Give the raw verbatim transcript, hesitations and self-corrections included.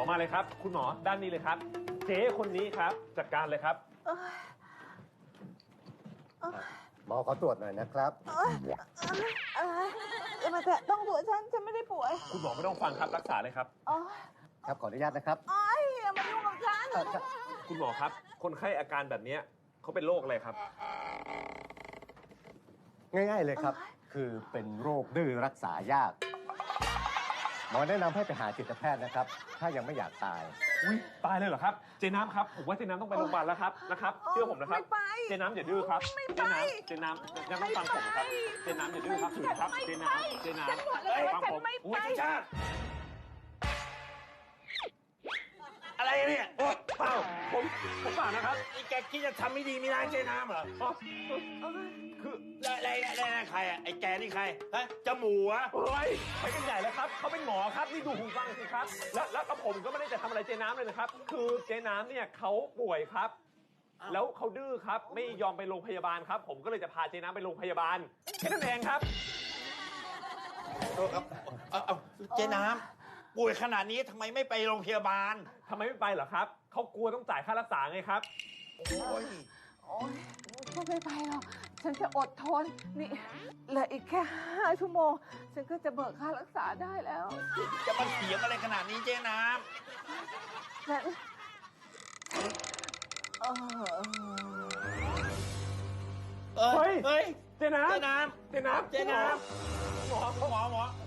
มาเลยครับคุณหมอด้านนี้เลยครับเจ๊คนนี้ครับจัดการเลยครับหมอขอตรวจหน่อยนะครับอย่ามาแตะต้องหัวฉันฉันไม่ได้ป่วยคุณหมอไม่ต้องฟังครับรักษาเลยครับครับขออนุญาตนะครับอ้อยอย่ามายุ่งกับฉันคุณหมอครับคนไข้อาการแบบนี้เขาเป็นโรคอะไรครับง่ายๆเลยครับ คือเป็นโรคดื้อรักษายาก หมอแนะนำให้ไปหาจิตแพทย์นะครับ ถ้ายังไม่อยากตายอุ้ยตายเลยเหรอครับเจน้ำครับผมว่าเจน้ำต้องไปโรงพยาบาลแล้วครับนะครับเชื่อผมนะครับเจน้ำอย่าดื้อครับเจน้ำเจน้ำยังต้องฟังผมครับเจน้ำอย่าดื้อครับถือครับเจน้ำเจน้ำฟังผมอุ้ยชาติอะไรเนี่ยโอ้เปล่าผมผมเปล่านะครับนี่แกคิดจะทำไม่ดีไม่ร้ายเจ๊น้ำเหรออ๋อคืออะไรอะไรอะไรใครอ่ะไอ้แกนี่ใครฮะจมูกอ่ะเฮ้ยไปกันใหญ่แล้วครับเขาเป็นหมอครับนี่ดูหูฟังสิครับแล้วแล้วผมก็ไม่ได้จะทำอะไรเจน้ำเลยนะครับคือเจน้ำเนี่ยเขาป่วยครับแล้วเขาดื้อครับไม่ยอมไปโรงพยาบาลครับผมก็เลยจะพาเจน้ำไปโรงพยาบาลแค่นั้นเองครับเออเอาเอาเอาเจ๊น้ำป่วยขนาดนี้ทำไมไม่ไปโรงพยาบาลทำไมไม่ไปเหรอครับเขากลัวต้องจ่ายค่ารักษาไงครับโอ้ยโอ๊ยก็ไม่ไปหรอกฉันจะอดทนนี่เหลืออีกแค่ห้าชั่วโมงฉันก็จะเบิกค่ารักษาได้แล้วจะมาเถียงอะไรขนาดนี้เจ๊น้ฉันเออำเออเฮ้ยเฮ้ยเจน้ำเจ๊น้เจน้ำำเจ๊น้หมอำหมอหมอหมอ